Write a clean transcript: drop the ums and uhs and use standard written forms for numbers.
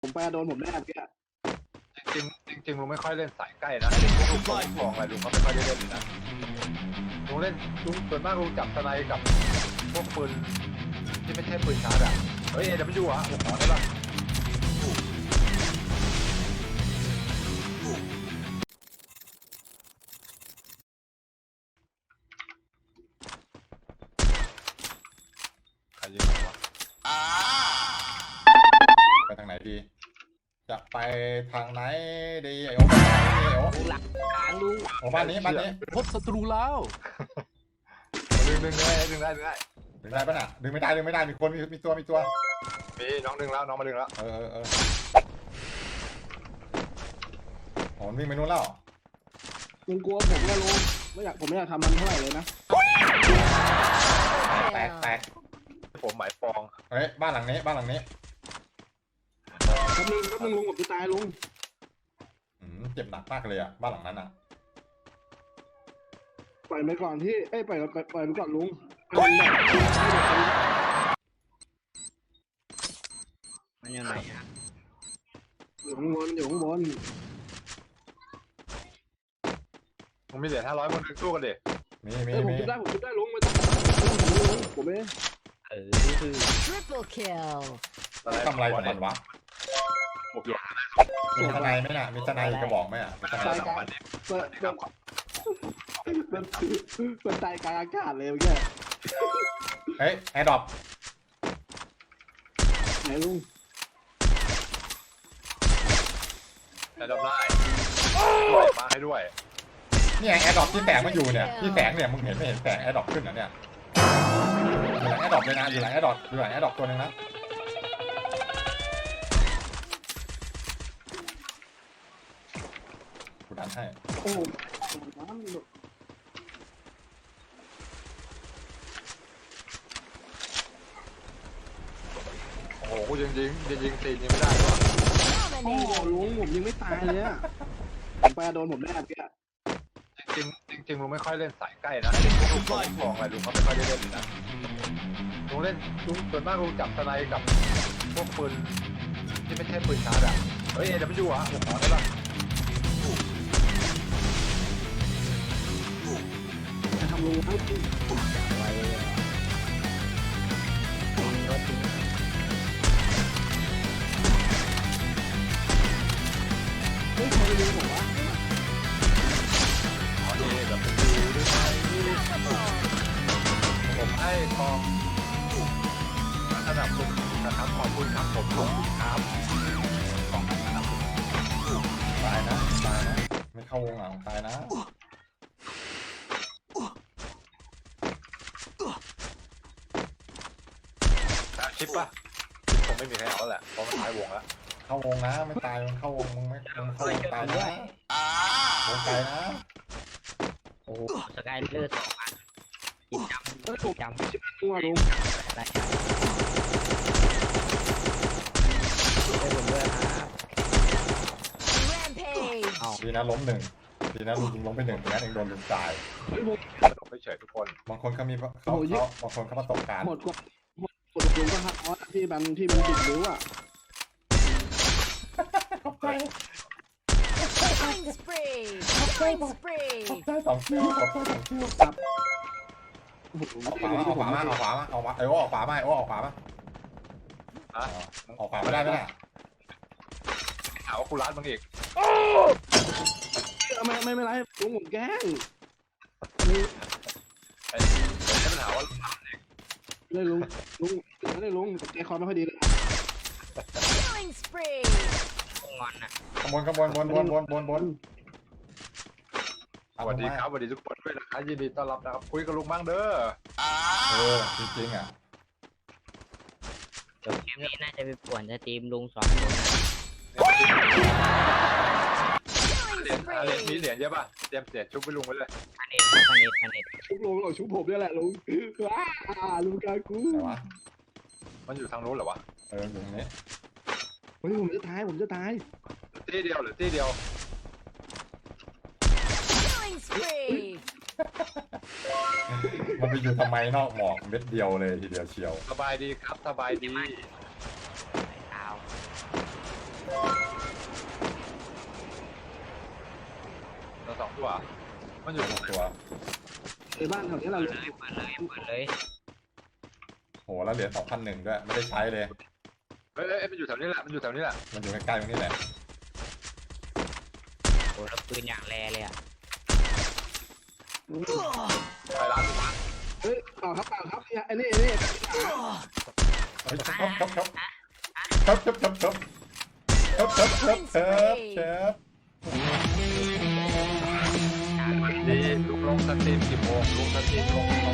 ผมไปโดนผมแน่เมื่อกี้จริงลุงไม่ค่อยเล่นสายใกล้นะพวกลูกของอะไรลุงก็ไม่ค่อยได้เล่นเลยนะลุงเล่นลุงส่วนมากลุงจับสไนกับพวกปืนที่ไม่ใช่ปืนชาร์จอ่ะเฮ้ยAWอ่ะผมขอได้ป่ะใครยิงวะไปทางไหนดีจะไปทางไหนดีไอ้โอ้หลักกลางลุงโอ้บ้านนี้พบศัตรูแล้วดึงได้ดึงได้ปะน่ะดึงไม่ได้มีคนมีตัวมีน้องดึงแล้วน้องมาดึงแล้วโอ้วิ่งไปนู้นแล้วลุงกลัวผมนะลุงผมไม่อยากทำมันเท่าไหร่เลยนะแตกผมหมายปองเฮ้ยบ้านหลังนี้แป๊บนึงลุงผมจะตายลุงเจ็บหนักมากเลยอ่ะบ้านหลังนั้นอ่ะปล่อยไปก่อนที่ปล่อยไปก่อนลุงมันยังไงอยู่ข้างบนมึงมีเหรียญ500คนสู้กันดิผมจุดได้ลุงไม่ต้องผมเองคือ Triple kill ทำอะไรของมันวะมีทนายไหมน่ะมีทนายกระบอกไหมอ่ะมีทนาย2 วันเนี่ยมันตายกลางอากาศเลยเมื่อกี้เฮ้ยแอร์ดรอปไหนลุงแต่ดรอปได้มาให้ด้วยเนี่ยแอร์ดรอปที่แสงมันอยู่เนี่ยที่แสงเนี่ยมึงเห็นไม่เห็นแสงแอร์ดรอปขึ้นเหรอเนี่ยอยู่หลังแอร์ดรอปเลยนะอยู่หลังแอร์ดรอปตัวนึงนะกูดันให้โอ้โหยิงตีนยังไม่ได้หรอโอ้ลุงผมยังไม่ตายเลยอ่ะผมไปโดนผมแน่เมื่อกี้จริงลุงไม่ค่อยเล่นสายใกล้นะพวกลูกของอะไรลุงก็ไม่ค่อยได้เล่นเลยนะลุงส่วนมากลุงจับสไนกับพวกปืนที่ไม่ใช่ปืนชาร์จอ่ะเฮ้ยAWอ่ะผมขอได้ป่ะจะทำลุงให้ไวเฮ้ยใครจะดูผมวะผมให้ทองสนับสนุนนะครับขอบคุณครับผมขอบคุณครับของสนับสนุนตายนะไม่เข้าวงหลังตายนะชิปป่ะผมไม่มีใครเอาแหละเพราะมันท้ายวงแล้วเข้าวงนะไม่ตายมันเข้าวงมึงไม่เข้าวงตายนะวงไกลนะโอ้สกายเลือด2 อันกินจำตัวลุงได้ผมด้วยครับดีนะล้ม1ดีนะลุงล้มไป1งั้นเองโดนลุงตายไม่เฉยทุกคนบางคนเขามีบางคนเขาประสบการณ์หมดลุงก็ฮักออสที่มันติดรู้อ่ะ Killing spree ได้2 คิวครับออกขวามาไอ้โอ้ออกขวามาออกขวาไม่ได้ไหมน่ะถามว่ากูร้านมึงอีกไม่เป็นไรลุงผมแกล้งไอ้ปัญหาว่าเลยลุงใจคอไม่ค่อยดีเลย Killing spree งอนอ่ะขบวนสวัสดีครับสวัสดีทุกคนด้วยนะครับยินดีต้อนรับนะครับคุยกับลุงบ้างเด้อจริงๆอ่ะเกมนี้น่าจะไปป่วนจะทีมลุง2 คนเหรียญมีเหรียญเยอะป่ะเตรียมเหรียญชุบไปลุงไว้เลยพันเอ็ดลุงหรอชุบผมนี่แหละลุงลุงกากูมันอยู่ทางโน้นเหรอวะอยู่ตรงนี้เฮ้ยผมจะตายตีเดียวหรือตีเดียวมันไปอยู่ทำไมนอกหมอกเม็ดเดียวเลยทีเดียวเชียวสบายดีครับสบายดีตัวมันอยู่ตัวในบ้านแถวนี้เราเปิดเลยโหแล้วเหรียญ2,001ด้วยไม่ได้ใช้เลยเฮ้ยมันอยู่แถวนี้แหละมันอยู่แถวนี้แหละมันอยู่ใกล้ๆตรงนี้แหละโอ้แล้วปืนอย่างแรเลยอ่ะไปร้านเฮ้ยเปล่าครับไอ้นี่เฮ้ยเชฟดีลุงลงสตรีม10 โมงลุงสตรีมลง